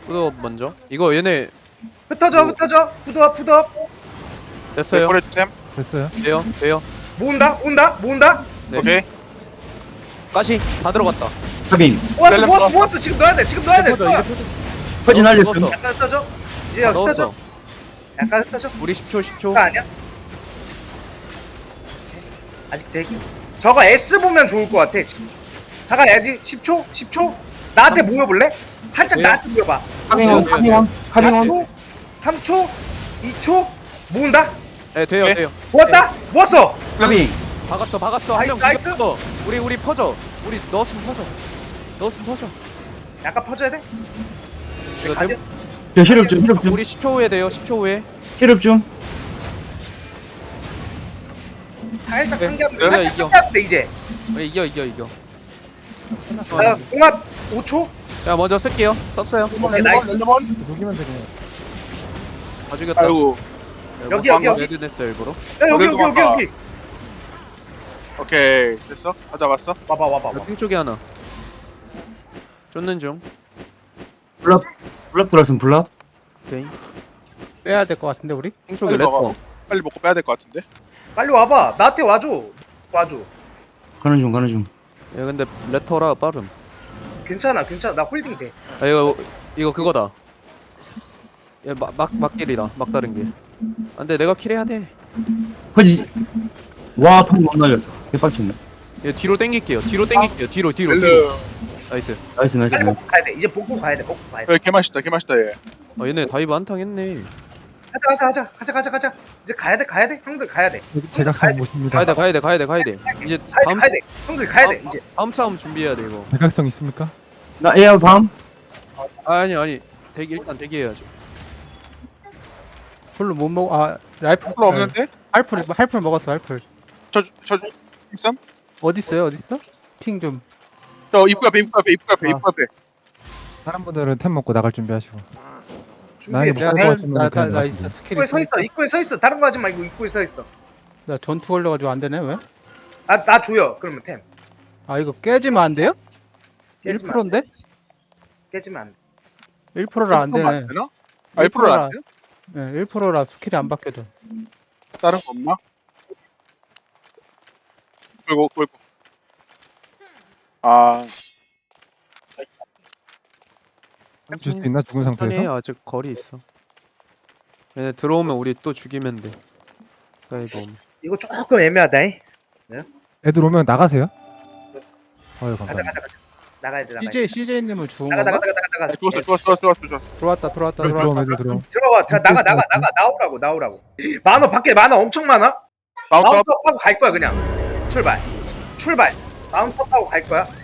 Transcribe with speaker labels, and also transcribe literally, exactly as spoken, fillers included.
Speaker 1: 푸드업 먼저. 이거 얘네
Speaker 2: 흩어져 흩어져 푸드업 푸드업
Speaker 1: 됐어요.
Speaker 3: 데코레이템.
Speaker 4: 됐어요.
Speaker 1: 돼요 돼요.
Speaker 2: 모은다 모은다 모은다
Speaker 1: 네.
Speaker 3: 오케이.
Speaker 1: 가시 다 들어갔다.
Speaker 5: 카빙
Speaker 2: 모았어
Speaker 3: 셀럽
Speaker 2: 모았어
Speaker 3: 넣었어.
Speaker 2: 모았어 지금 넣어야 돼 지금 넣어야 돼
Speaker 1: 퍼져,
Speaker 2: 넣어.
Speaker 1: 이제 퍼져.
Speaker 5: 퍼진
Speaker 1: 넣었어,
Speaker 5: 알렸음.
Speaker 1: 넣었어.
Speaker 2: 약간 흩어져 이제
Speaker 1: 다
Speaker 2: 흩어져
Speaker 1: 넣었어.
Speaker 2: 약간 흩어져
Speaker 1: 우리 십 초 십 초.
Speaker 2: 그거 아니야? 아직 대기 저거 S 보면 좋을 것 같아 지금 잠깐 야지 십 초 십 초 나한테 모여볼래? 살짝
Speaker 1: 네.
Speaker 2: 나한테 모여봐
Speaker 5: 카빙원
Speaker 1: 네,
Speaker 5: 카빙원
Speaker 2: 사
Speaker 5: 카빙원
Speaker 2: 초 삼 초 이 초 모은다
Speaker 1: 네 돼요
Speaker 3: 오케이.
Speaker 1: 돼요.
Speaker 2: 모았다 모았어
Speaker 5: 카빙
Speaker 1: 박았어 박았어. 한 명
Speaker 2: 나이스,
Speaker 1: 죽여 퍼져. 우리 우리 퍼져. 우리 넣었으면 퍼져. 넣었으면 퍼져.
Speaker 2: 약간 퍼져야 돼?
Speaker 1: 이거
Speaker 2: 가자.
Speaker 1: 대-
Speaker 5: 저 힐업 좀 힐업 좀
Speaker 1: 우리 십 초 후에 돼요. 십 초 후에.
Speaker 5: 힐업 좀
Speaker 2: 살짝
Speaker 1: 네.
Speaker 2: 상기하면
Speaker 1: 네,
Speaker 2: 살짝
Speaker 1: 이겨.
Speaker 2: 상기하면 돼 이제
Speaker 1: 우리 이겨 이겨 이겨.
Speaker 2: 나 공합 오 초
Speaker 1: 자 먼저 쓸게요. 썼어요.
Speaker 2: 오케이 나이스
Speaker 4: 녹이면 되네.
Speaker 1: 다 죽였다.
Speaker 3: 아이고.
Speaker 2: 여기, 여기, 여기.
Speaker 1: 레드 냈어 일부러.
Speaker 2: 야 여기 여기 여기
Speaker 3: 그래도
Speaker 2: 여기
Speaker 3: 오케이. 됐어. 다 잡았어.
Speaker 2: 와봐 와봐 와봐
Speaker 1: 핑 쪽에 하나. 쫓는 중.
Speaker 5: 블랍 블랍 들었음 블랍
Speaker 1: 오케이.
Speaker 4: 빼야 될 것 같은데 우리?
Speaker 1: 핑 쪽에
Speaker 3: 빨리 먹어.
Speaker 1: 레터.
Speaker 3: 빨리 먹고 빼야 될 것 같은데.
Speaker 2: 빨리 와봐 나한테 와줘 와줘
Speaker 5: 가는 중 가는 중
Speaker 1: 야 근데 레터라 빠름.
Speaker 2: 괜찮아 괜찮아 나 홀딩 돼
Speaker 1: 아 이거 이거 그거다. 야막막 막길이다. 막다른 길. 안돼 내가 킬해야 돼.
Speaker 5: 퍼지 와 퍼지 못 날렸어 개빡쳤네
Speaker 1: 얘 뒤로 당길게요. 뒤로 당길게요. 뒤로 뒤로 뒤로.
Speaker 3: 렐르.
Speaker 1: 나이스.
Speaker 5: 나이스 나이스
Speaker 2: 빨리 먹고 가야 돼 이제 복구 가야 돼 복구 가야 돼
Speaker 3: 야, 개 맛있다. 개 맛있다 얘.
Speaker 1: 아 얘네 다이브 한탕 했네.
Speaker 2: 가자 가자 가자 가자 가자 가자 이제 가야 돼 가야 돼 형들 가야 돼
Speaker 4: 제각선 모십니다.
Speaker 1: 가야 돼 가야 돼 가야 돼 가야 돼. 이제
Speaker 2: 가야 돼
Speaker 1: 다음
Speaker 2: 가야 돼 형들 가야 돼
Speaker 1: 다음-
Speaker 2: 이제
Speaker 1: 다음 싸움 준비해야 돼 이거.
Speaker 4: 제각성 있습니까?
Speaker 5: 나 에어 밤
Speaker 1: 아, 아니 아니 대기 일단 대기해야죠.
Speaker 4: 풀로 못 먹. 아 라이프.
Speaker 3: 풀 없는데?
Speaker 4: 할풀 할풀 먹었어 할풀.
Speaker 3: 저저 쌈?
Speaker 4: 어디 있어요 어디 있어? 핑 좀.
Speaker 3: 저 입구 앞에 입구 앞에 입구 앞에
Speaker 4: 아.
Speaker 3: 입구 앞에.
Speaker 4: 다른 분들은 템 먹고 나갈 준비하시고.
Speaker 2: 준비해
Speaker 4: 나는
Speaker 2: 준비해.
Speaker 4: 뭐-
Speaker 2: 나,
Speaker 4: 나- 나- 나
Speaker 2: 입구에
Speaker 4: 있어 스킬이.
Speaker 2: 서 있어 입구에 서 있어 다른 거 하지 말고 입구에 서 있어
Speaker 4: 나 전투 걸려가지고 안 되네 왜?
Speaker 2: 아 나 줘요 그러면 템
Speaker 4: 아 이거 깨지면 안 돼요? 일
Speaker 2: 깨지면 안
Speaker 4: 퍼센트인데?
Speaker 2: 돼. 깨지면 안돼
Speaker 4: 일 퍼센트라 안 되네.
Speaker 3: 되나? 아, 일 퍼센트라 안 돼?
Speaker 4: 네, 일 퍼센트라 스킬이 안 바뀌어져.
Speaker 3: 다른 거 없나? 끌고 끌고. 아,
Speaker 4: 줄 수 있나 죽은
Speaker 1: 아니
Speaker 4: 상태에서?
Speaker 1: 아직 거리 있어. 얘네 들어오면 우리 또 죽이면 돼. 다이브 오면.
Speaker 2: 이거 조금 애매하다 잉?
Speaker 4: 애들 오면 나가세요? 어유
Speaker 2: 가자
Speaker 4: 감사합니다.
Speaker 2: 가자 가자 나가야 돼 나가야 돼
Speaker 4: 씨제이 씨제이님을 죽은
Speaker 2: 나가 나가
Speaker 4: 건가?
Speaker 2: 나가 나가 나가
Speaker 3: 좋았어 좋았어 좋았어 좋았어.
Speaker 4: 들어왔다 들어왔다 애들 들어오면 들어왔다. 애들 들어오면.
Speaker 2: 들어와 다, 나가 나가 나가 나오라고 나오라고 만원 밖에 만원 엄청 많아
Speaker 3: 마운트 업.
Speaker 2: 마운트업 하고 갈 거야 그냥 출발 출발 마운트업 하고 갈 거야